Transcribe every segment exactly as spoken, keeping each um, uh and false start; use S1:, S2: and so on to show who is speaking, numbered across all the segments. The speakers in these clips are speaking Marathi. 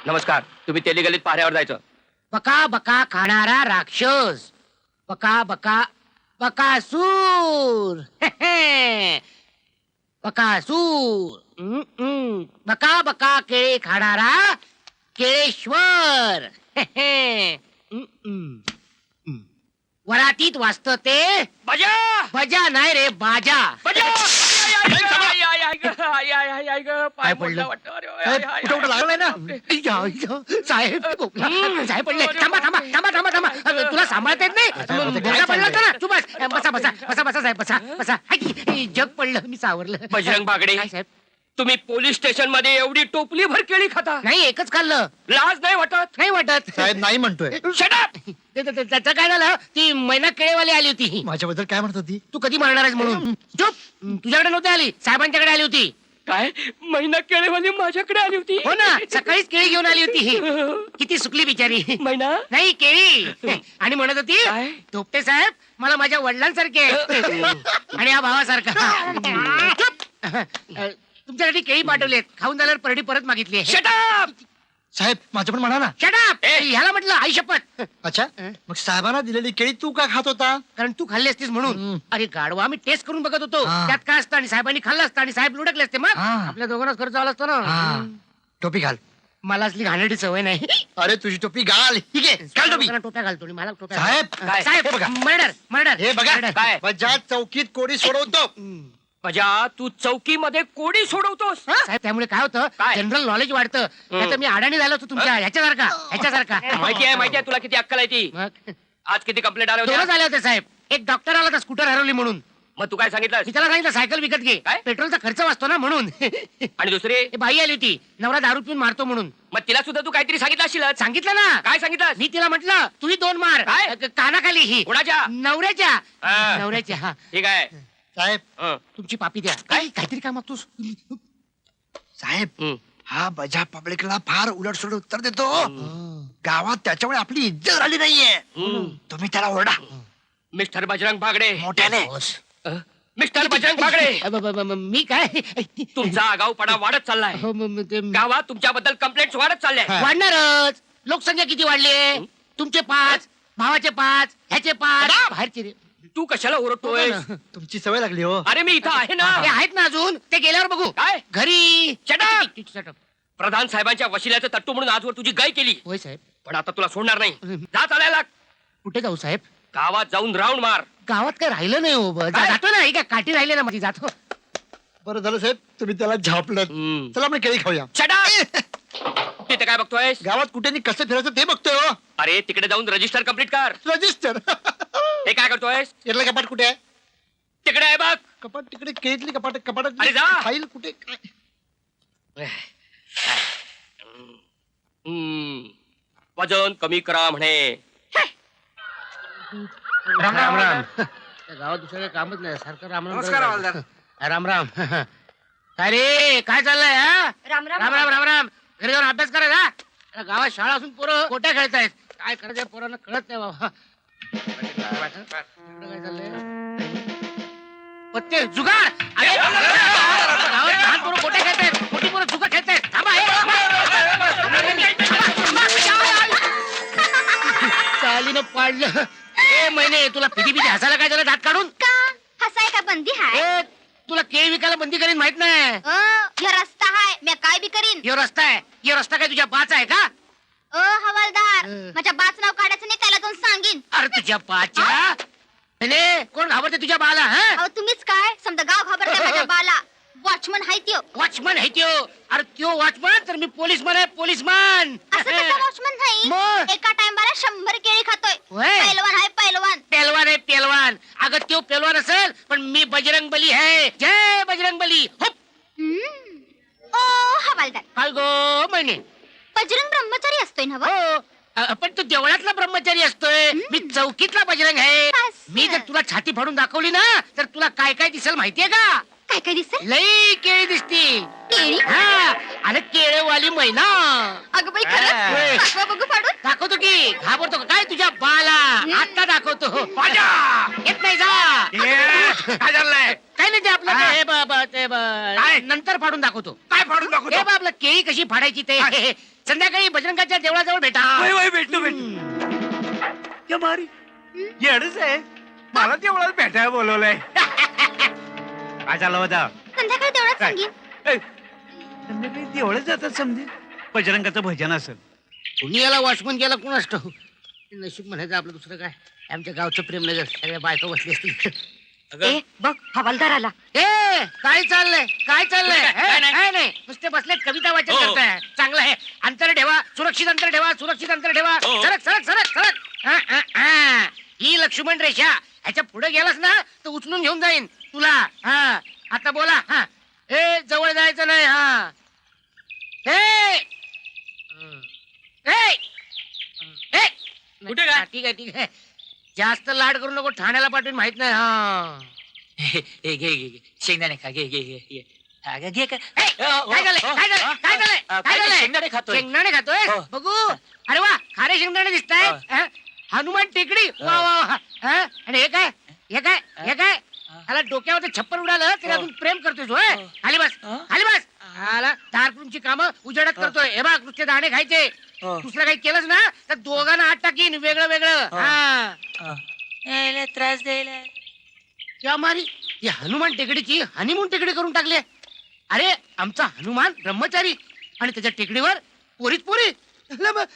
S1: नमस्कार. तुम्ही तेली गलीत पाऱ्यावर जायचं.
S2: बका बका खाणारा राक्षस, बका बका बकासूर. बकासूर. हम्म, हम्म. बका बका केळे खाणारा केळेश्वर. हम्म, हम्म. वरातीत वाचत ते
S1: बजा
S2: बजा नाही रे बाजा.
S1: बजा. आई, आई, आई, ग, आई, आई, आई, आई, ग, पाय
S2: काय पडलं?
S1: मोडला वाटतं. अरे, आई,
S2: साहेब,
S1: आई,
S2: कुठं कुठं लागलंय ना?
S1: बापरे.
S2: या, या, साहेब हम्म, साहेब पडले. थांबा थांबा थांबा थांबा थांबा तुला सांभाळता येत नाही.
S3: साहेब,
S2: बोलता पडला होता ना. तू बस बसा बसा बसा बसा साहेब बसा बसा. हाय, जग पडलं मी सावरलं.
S1: बजरंग बागडे.
S2: काय साहेब?
S1: तुम्ही पोलीस स्टेशन मध्ये एवढी टोपली भर केळी खाता,
S2: नाही एकच खाल्लं.
S1: लाज नाही वाटत?
S2: नाही वाटत.
S3: साहेब नाही म्हणतोय.
S1: Shut up!
S2: ते- ते- ते- त्याचं काय झालं, ती मैना केळेवाली आली होती.
S3: माझ्याबद्दल काय म्हणत होती?
S2: तू कधी मारणार आहेस म्हणून. चुप. तुझ्याकडे नव्हती आली, साहेबांच्याकडे आली होती.
S1: काय महिना केळीवाली माझ्याकडे आली होती?
S2: हो ना, सकाळीच केळी घेऊन आली होती. किती सुकली बिचारी.
S1: महिना
S2: नाही केळी. आणि म्हणत होती
S1: काय?
S2: धोपटे साहेब मला माझ्या वडिलांसारखे आहे. आणि या भावासारखा. चुप. तुमच्यासाठी केळी पाठवलेत, खाऊन झाल्यावर परडी परत मागितली.
S1: Shut up!
S3: साहेब माझं पण म्हणा ना.
S2: शटाप.
S1: ए.
S2: ह्याला म्हटलं आई शपथ.
S3: अच्छा मग साहेबांना दिलेली केळी तू का खात होता?
S2: कारण तू खाल्ली असतीस म्हणून.
S3: हम्म.
S2: अरे गाडवा, आम्ही टेस्ट करून बघत होतो
S3: हा.
S2: त्यात काय असतं, आणि साहेबांनी खाल्लं असतं आणि साहेब लुडकले असते, मग
S3: हा.
S2: आपल्या दोघांनाच खर्च आला असतो ना.
S3: हा. टोपी घाल.
S2: मला असली घाणेरडी सवय नाही.
S3: अरे तुझी टोपी घाल. ठीक आहे घाल टोपी.
S2: लोकांना टोप्या घालतो आणि मला टोप्या
S3: साहेब,
S2: घाल. साहेब
S3: हे बघा.
S2: मर्डर मर्डर
S3: हे बघा
S1: काय?
S3: बजा चौकीत कोडी सोडवतो.
S1: बजा तू चौकीमध्ये कोडी सोडवतोस.
S2: साहेब त्यामुळे काय होतं,
S1: काय?
S2: जनरल नॉलेज वाढतं. नाहीतर मी अडाणी झालो होतो तुमच्या ह्याच्यासारखा ह्याच्यासारखा.
S1: माहिती आहे माहिती आहे तुला किती अक्कल आहे ती.
S2: मग
S1: आज किती कंप्लेंट आल्या
S2: दोनच
S1: होत्या?
S2: आले होते साहेब. एक डॉक्टर आला होता स्कूटर हरवली म्हणून.
S1: मग तू काय सांगितलं?
S2: मी त्याला सांगितलं सायकल विकत घे,
S1: काय?
S2: पेट्रोलचा खर्च वाचतो ना म्हणून.
S1: आणि दुसरी
S2: हे बाई आली होती, नवरा दारू पिऊन मारतो म्हणून.
S1: मग तिला सुद्धा तू काहीतरी सांगितलं असेल.
S2: सांगितलं ना.
S1: काय सांगितलं?
S2: मी तिला म्हटलं तुम्ही दोन मार.
S1: काय?
S2: क- कानाखाली ही
S1: कोणाच्या?
S2: नवऱ्याच्या.
S1: हा.
S2: नवऱ्याच्या. हा.
S1: ठीक आहे.
S3: साहेब
S1: हं.
S2: तुमची पापी द्या.
S1: काय?
S2: काय काहीतरी काय मागतोस?
S3: साहेब
S1: हं.
S3: हा बजा पब्लिकला फार उलट सुलट उत्तर देतो. गावात त्याच्यामुळे आपली इज्जत झाली नाहीये.
S1: हं.
S3: तुम्ही त्याला ओरडा
S1: मिस्टर बजरंग बागडे.
S3: मोठ्याने.
S1: अ? मिस्टर बजरंग बागडे,
S2: अ, ब- ब- ब- मी काय
S1: तुमचा आगाऊपणा वाढत चाललाय.
S2: हो, म- म- ते-
S1: गावात तुमच्याबद्दल कंप्लेंट वाढत चालल्या.
S3: हा.
S2: वाढणारच. लोकसंख्या किती वाढली? तुमचे पाच, भावाचे पाच, ह्याचे पाच,
S1: दादा!
S2: बाहेरचे रे.
S1: तू कशाला ओरडतोय?
S3: तुमची सवय लागली हो.
S1: अरे मी इथं आहे ना.
S2: ते आहेत ना अजून, ते गेल्यावर बघू.
S1: काय?
S2: घरी.
S1: Shut up!
S2: Shut up.
S1: प्रधान साहेबांच्या वशिल्याचं तट्टू म्हणून आजवर तुझी गाय केली,
S2: होय साहेब.
S1: पण आता तुला सोडणार नाही. जा चालायला.
S2: कुठे जाऊ साहेब?
S1: गावात जाऊन राऊंड मार.
S2: गावात काय राहिलं नाही हो. ब- जा-
S1: काय?
S2: जातो ना, ही काय काठी राहिले ना माझी, जातो.
S3: बरं झालं साहेब तुम्ही त्याला झापलं.
S1: हं.
S3: चला आपण केळी खाऊया.
S1: Shut up! तिथे काय बघतोयस?
S3: गावात कुठे नि कसं फिरायचं ते बघतोय हो.
S1: अरे तिकडे जाऊन रजिस्टर कम्प्लीट कर.
S3: रजिस्टर.
S1: हे काय करतोयस?
S3: यातलं कपाट कुठे आहे?
S1: तिकडे आहे बघ.
S3: कपाट तिकडे केळीतली कपाट
S1: अरे
S3: कपाटात
S1: जा.
S3: फाईल कुठे काय?
S1: हं. वजन कमी करा म्हणे.
S2: राम राम राम. त्या गावात दुसरं काही कामच नाही, सारखं राम राम
S4: नमस्कार,
S2: करत
S4: हवालदार.
S2: राहतो. राम राम. काय रे, काय चाललंय? हा?
S5: राम राम
S2: राम राम राम राम. घरी जाऊन अभ्यास करायचा. या गावात शाळा असून पोरं कोट्या खेळतायत. काय करायचं पोरांना कळत नाही बाबा. इकडं काय चाललंय? पत्ते जुगार. अरे, गावात लहान पोरं कोट्या खेळतायत, मोठी पोरं जुगार खेळतायत. थांबा, हे, थांबा. चालीनं पाडलं. ए महिने, तुला पिढी पिढी हसायला काय झालं दात काढून?
S5: का हसाय का बंदी हाय?
S2: ए, तुला केळी विकायला बंदी करीन माहित नाही.
S5: अ, ह्यो रस्ता हाय, मी काय बी करीन.
S2: यो रस्ता आहे, यो रस्ता काय तुझ्या बाचा आहे का?
S5: अ हवालदार,
S2: अ.
S5: माझ्या बाच नाव काढायचं नाही, त्याला जाऊन सांगीन.
S2: अरे तुझ्या बाच्या. महिने, कोण घाबरते तुझ्या बाला? हा?
S5: अहो तुम्हीच काय, समजा गाव घाबरते माझ्या बाला. वॉचमन हाय त्यो.
S2: वॉचमन आहे त्यो. अरे त्यो वॉचमन तर मी पोलीसमन आहे, पोलीसमन.
S5: असं कसं वॉचमन
S2: मग?
S5: नाही? एका टाइमला शंभर केळी खातोय.
S2: होय.
S5: पैलवान हाय पैलवान.
S2: पेलवान आहे पेलवान. अगं त्यो पेलवान असेल पण मी बजरंग बली आहे. जय बजरंग बली. हुप.
S5: हम्म. ओ हवालदार,
S2: काय गो महिने?
S5: बजरंग ब्रह्मचारी असतोय ना व?
S2: हो. अ, पण तू देवळातला ब्रह्मचारी असतोय, मी चौकीतला बजरंग आहे.
S5: असं.
S2: मी जर तुला छाती फाडून दाखवली ना तर तुला काय काय दिसेल माहितीये का?
S5: काय काय दिसत?
S2: लई केळी दिसती.
S5: केळी?
S2: हा, अरे केळेवाली मैना.
S5: अगं बाई
S2: होय.
S5: खरंच? दाखवा बघू फाडून.
S2: दाखवतो की. घाबरतो का काय तुझ्या बाला? आता दाखवतो. बाजा. येत नाही जा.
S1: काय झालंय?
S2: काय नाही ते आपलं ते हे ब- ब- ते ब- नंतर फाडून दाखवतो.
S3: काय फाडून दाखवतो?
S2: हे बा आपलं केळी कशी फाडायची ते संध्याकाळी बजरंगाच्या देवळाजवळ भेटा.
S3: वय वय भेटतो भेटतो. क्या मारी येडच आहे, मला तेवढं भेटायला बोलवलंय. काय झालं होता?
S5: संध्याकाळी तेवढंच सांगेन.
S3: संध्याकाळी तेवढंच जातात समजे, बजरंगाचं भजन असेल.
S2: तुम्ही याला वॉचमन गेला कोण असतो? नशीब म्हणायचं आपलं, दुसरं काय. आमच्या गावचं प्रेमनगर सगळ्या बायका बसली असतील.
S5: ए बघ हवालदार आला.
S2: ए काय चाललंय काय चाललंय?
S1: काय
S2: हे,
S1: नाही.
S2: काय नाही, नुसते बसलेत कविता वाचन
S1: हो.
S2: करताय. चांगलं आहे. अंतर ठेवा, सुरक्षित अंतर ठेवा, सुरक्षित अंतर ठेवा.
S1: हो.
S2: सरक सरक सरक सरक. हा, हा, हा. ही लक्ष्मण रेषा, ह्याच्या पुढे गेलास ना तर उचलून घेऊन जाईन तुला. हा आता बोला. हा ए जवळ जायचं नाही. हा ए ए ए.
S1: कुठे काय?
S2: हा, ठीक आहे ठीक आहे. जास्त लाड करू नको, ठाण्याला पाठवून माहित नाही. हा
S1: हे घे घे घे शेंगदाणे खा, घे घे घे घे. हा, घे, घे काय
S2: ए, काय झालंय काय झालंय काय झालंय काय
S1: काय
S2: झालंय?
S1: शेंगदाणे खातोय.
S2: शेंगदाणे खातोय
S1: हो.
S2: बघू. अरे वा, खारे शेंगदाणे दिसताय.
S1: हो.
S2: हा? हनुमान टेकडी. वा वा वा. हा? आणि हे काय हे काय हे काय ह्याला डोक्यावर छप्पर उडालं तरी
S1: हो.
S2: अजून प्रेम करतोय होय.
S1: हो.
S2: खाली बस
S1: हा?
S2: खाली बस. ह्याला दारकुंची कामं उजेडत करतोय. हे बघ नुसते दाणे खायचे,
S1: हो.
S2: दुसरं काही केलंच ना तर दोघांना आत टाकीन वेगळं वेगळं.
S1: हो.
S2: हा
S1: यायला त्रास द्यायला.
S2: या मारी ही हनुमान टेकडीची हनीमून टेकडी करून टाकली आहे. अरे आमचा हनुमान ब्रह्मचारी आणि त्याच्या टेकडीवर पोरीच पोरी. ला मग.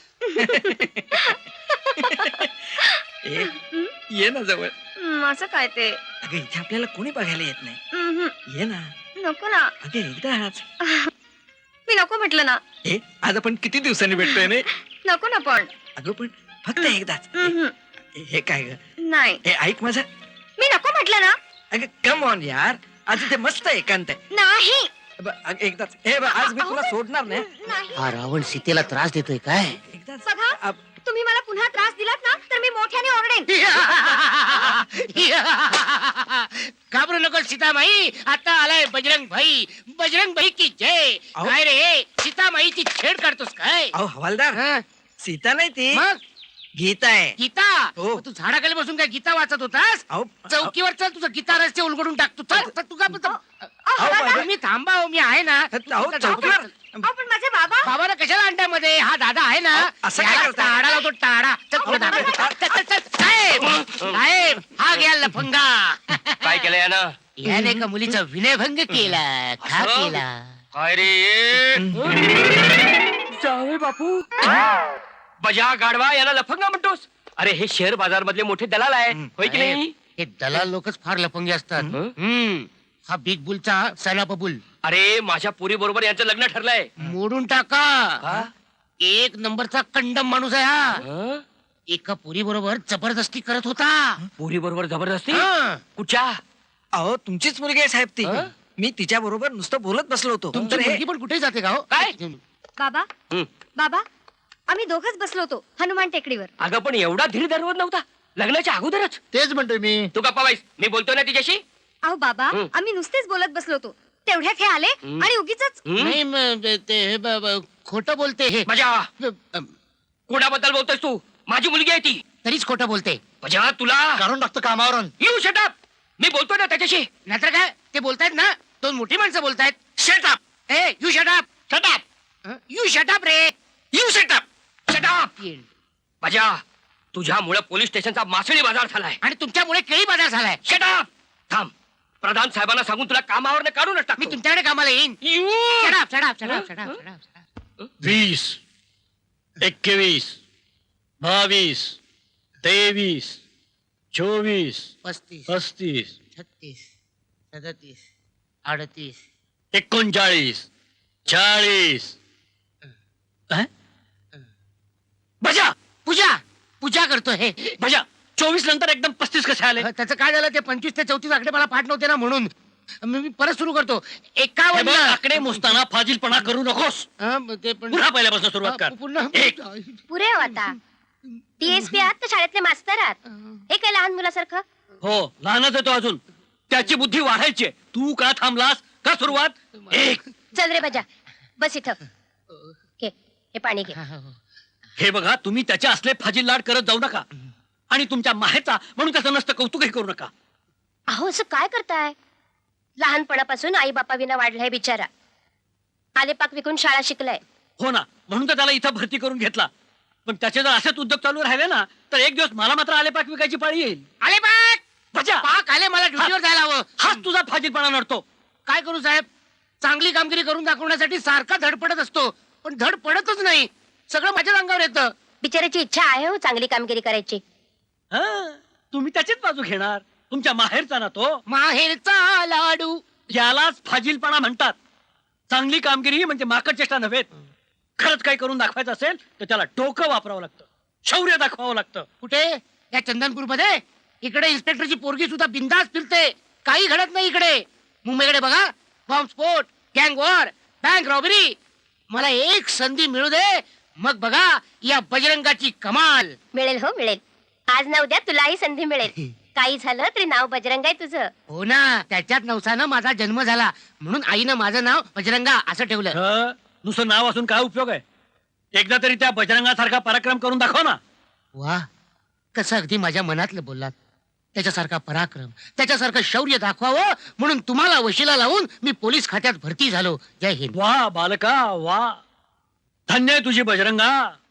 S4: ए, ये ना जवळ.
S5: हं, असं काय ते?
S4: अगं इथे आपल्याला कोणी बघायला येत नाही.
S5: हं,
S4: ये ना.
S5: नको ना.
S4: अगं एकदाच.
S5: मी नको म्हटलं ना.
S4: ए आज आपण किती दिवसांनी भेटतोय ने?
S5: नको ना पण.
S4: अगं पण फक्त एकदाच.
S5: हं,
S4: ए, हे काय ग?
S5: नाही
S4: ए ऐक माझं.
S5: मी नको म्हटलं ना.
S4: अगं कम ऑन यार, आज इथे मस्त एकांत आहे.
S5: नाही
S4: ब- अगं, एकदाच. ए ब- आज मी तुला सोडणार नाही.
S5: नाही.
S2: हा रावण सीतेला त्रास देतोय काय?
S4: एकदाच.
S5: बघा.
S4: अब-
S5: तुम्ही मला पुन्हा त्रास दिलात ना तर मी मोठ्याने ओरडेन.
S2: घाबरू नको सीतामाई, आता आलाय बजरंग भाई. बजरंग भाई की जय.
S4: अहो.
S2: काय रे सीतामाईची छेड काढतोस काय?
S4: अहो हवालदार,
S2: हं?
S4: सीता नाही ती,
S2: मग
S4: गीता आहे.
S2: गीता.
S4: हो.
S2: मग तू झाडाखाली बसून काय गीता वाचत होतास?
S4: अहो
S2: चौकीवर चल, तुझं गीता रस्ते उलगडून टाक. तू चल चल, तू का
S5: अहो,
S4: अहो,
S5: बाबा.
S4: बाबा.
S2: तुम्ही थांबा हो, मी आहे ना.
S4: अहो, चौकीवर.
S5: अहो, पण माझे बाबा.
S2: बाबाला कशाला अंड्यामध्ये? हा दादा आहे ना.
S4: अहो, असं काय
S2: याला
S4: करताय?
S2: टाळा लावतो टाळा. चल पुढे दाबा. चल, चल, चल. साहेब साहेब हा घ्या लफंगा.
S1: काय केलं यानं?
S2: याने का मुलीचा विनयभंग केला का
S1: असं?
S2: केला?
S1: काय रे? जावे बापू. बजा गाडवा याला लफंगा म्हणतोस? अरे हे शेअर बाजार मधले मोठे दलाल आहे, होय की नाही?
S2: हे दलाल लोकच फार लफंगे असतात.
S1: हं?
S2: हम्म. हा बिग बुलचा सैलाप बुल.
S1: अरे माझ्या पुरी बरोबर यांचं लग्न ठरलंय.
S2: मोडून टाका.
S1: का?
S2: एक नंबरचा कंडम माणूस आहे हा.
S1: हं?
S2: एका पुरी बरोबर जबरदस्ती करत होता.
S1: पुरी बरोबर जबरदस्ती?
S2: हं.
S1: कुठच्या?
S4: अहो तुमचीच मुलगी आहे साहेब ती.
S1: हं?
S4: मी तिच्या बरोबर नुसतं बोलत बसलो होतो.
S2: तुमची
S4: तर हे-
S2: मुलगी पण कुठे जाते का हो?
S1: काय?
S5: बाबा
S1: हं.
S5: बाबा आम्ही दोघच बसलो होतो हनुमान टेकडीवर.
S1: अगं पण एवढा धीर धरवत नव्हता लग्नाच्या अगोदरच.
S3: तेच म्हणतोय मी.
S1: तू गप्पा बाईस, मी बोलतोय ना तिच्याशी.
S5: अहो बाबा
S1: हं.
S5: आम्ही नुसतेच बोलत बसलो होतो. तेवढ्यात हे आले
S1: हं.
S5: आणि उगीच
S1: हं?
S2: नाही म- ते हे ब- ब- खोटं बोलते हे.
S1: बजा
S2: अ-
S1: कोणाबद्दल बोलतोयस तू? माझी मुलगी आहे ती.
S2: तरीच खोटं बोलते.
S1: बजा तुला
S3: काढून टाकतो कामावरून.
S1: You shut up. मी बोलतोय ना त्याच्याशी.
S2: नाहीतर काय ते बोलतायत ना, दोन मोठी माणसं बोलतायत.
S1: शटअप.
S2: ए you shut up.
S1: Shut up.
S2: You shut up रे.
S1: You shut up. शटअप. बजा तुझ्यामुळे पोलीस स्टेशनचा मासळी बाजार झालाय.
S2: आणि तुमच्यामुळे केळी बाजार झालाय.
S1: शटअप. थांब, प्रधान साहेबांना सांगून तुला कामावर काढून
S2: मी
S1: टाकतो.
S2: तुमच्याकडे कामाला येईन.
S1: यू
S2: शटअप शटअप शटअप
S1: हं?
S2: Shut up shut up.
S6: वीस एकवीस बावीस तेवीस चोवीस
S2: पस्तीस
S6: पस्तीस
S2: छत्तीस सदतीस अडतीस
S6: एकोणचाळीस चाळीस अं?
S1: बजा
S2: पूजा पूजा करतोय हे.
S1: बजा चोवीस नंतर एकदम पस्तीस कसे आले?
S2: त्याचं काय झालं, ते पंचवीस ते चौतीस आकडे मला पाठ नव्हते ना म्हणून. मी मी परत सुरू करतो.
S6: हे
S2: एकावन्न
S6: बघ, आकडे मोजताना फाजीलपणा करू नकोस.
S2: हं, ते पण
S6: पुन्हा पहिल्यापासून सुरुवात कर.
S2: हं, पुन्हा
S6: एक.
S5: पुरे हो आता. डीएसपी आहात तर शाळेतले मास्तर आहात. हे काय लहान मुलासारखं.
S6: हो लहानच आहे तो अजून, त्याची बुद्धी वाढायची आहे. तू का थांबलास? का सुरुवात? एक.
S5: चल रे बजा बस इथं. घे हे पाणी घे.
S6: हे बघा, तुम्ही त्याचे असले फाजील लाड करत जाऊ नका. आणि तुमच्या माहेचा म्हणून त्याचं नसतं कौतुकही करू नका.
S5: अहो असं काय करताय. लहानपणापासून आई बापा विना वाढलाय बिचारा. आलेपाक विकून शाळा शिकलाय.
S6: हो ना, म्हणून तर त्याला इथं भरती करून घेतला. पण त्याचे जर असेच उद्योग चालू राहिले ना तर एक दिवस मला मात्र आलेपाक विकायची पाळी येईल.
S2: आले पाक
S6: बजा,
S2: पाक आले, मला ड्युटीवर जायला हवं.
S6: हाच तुझा फाजीलपणा नडतो.
S2: काय करू साहेब, चांगली कामगिरी करून दाखवण्यासाठी सारखा धडपडत असतो, पण धड पडतच नाही. सगळं माझ्या अंगावर येतं.
S5: बिचाराची इच्छा आहे हो चांगली कामगिरी करायची.
S6: हा, तुम्ही त्याचीच बाजू घेणार. तुमच्या माहेरचा ना तो.
S2: माहेरचा लाडू.
S6: यालाच फाजीलपणा म्हणतात. चांगली कामगिरी म्हणजे माकड चेष्टा नव्हे. खरंच काही करून दाखवायचं असेल तर त्याला डोकं वापरावं लागतं, शौर्य दाखवावं लागतं.
S2: कुठे? या चंदनपूर मध्ये. इकडे इन्स्पेक्टरची पोरगी सुद्धा बिंदास फिरते, काही घडत नाही इकडे. मुंबईकडे बघा, बॉम्बस्फोट, गँग वॉर, बँक रॉबरी. मला एक संधी मिळू दे, मग बघा या बजरंगाची कमाल.
S5: मिळेल हो मिळेल. आज ना उद्या तुलाही संधी मिळेल. काही झालं तरी नाव बजरंग आहे तुझं.
S2: हो ना, त्याच्यात नवसानं माझा जन्म झाला, म्हणून आईनं माझं नाव बजरंगा असं ठेवलं.
S6: हं, नुसतं नाव असून काय उपयोग आहे? एकदा तरी त्या बजरंगासारखा पराक्रम करून दाखव ना.
S2: वा, कसं अगदी माझ्या मनातलं बोललात. त्याच्यासारखा पराक्रम, त्याच्यासारखं शौर्य दाखवावं म्हणून तुम्हाला वशिला लावून मी पोलीस खात्यात भरती झालो. जय हिंद.
S6: वा बालका वा, धन्य आहे तुझी बजरंगा.